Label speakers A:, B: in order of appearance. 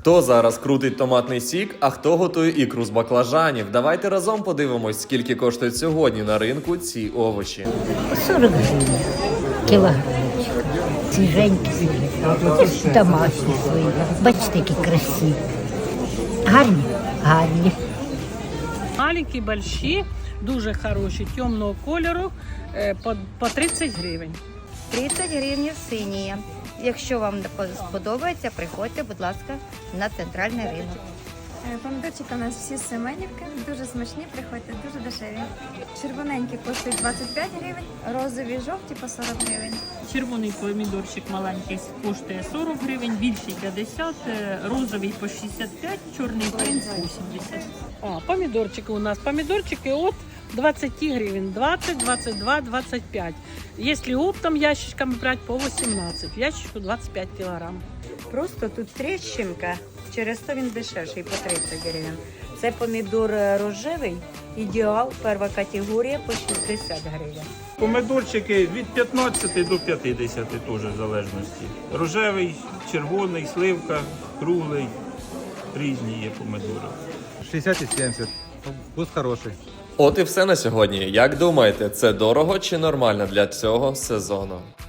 A: Хто зараз крутить томатний сік, а хто готує ікру з баклажанів? Давайте разом подивимось, скільки коштують сьогодні на ринку ці овочі.
B: 40 гривень кілограмчик. Свіженькі, домашні свої. Бачите, які красиві. Гарні? Гарні.
C: Маленькі, больші, дуже хороші, темного кольору, по 30 гривень.
D: 30 гривень сині. Якщо вам сподобається, приходьте, будь ласка, на центральний ринок.
E: Помідорчики у нас всі з Семенівки, дуже смачні, приходьте, дуже дешеві. Червоненькі коштують 25 гривень, розові жовті по 40 гривень.
C: Червоний помідорчик маленький коштує 40 гривень, більший 50, розовий по 65, чорний принц 80. Помідорчики у нас, помідорчики от 20 гривень, 20, 22, 25. Если оптом ящичками брать, по 18, в ящичку 25 кілограм.
F: Просто тут тріщинка, через то він дешевший по 30 гривень. Це помідор рожевий, ідеал, перша категорія по 60 гривень.
G: Помидорчики від 15 до 50 теж в залежності. Рожевий, червоний, сливка, круглий, різні є помидори.
H: 60 і 70. Вкус хороший.
A: От і все на сьогодні. Як думаєте, це дорого чи нормально для цього сезону?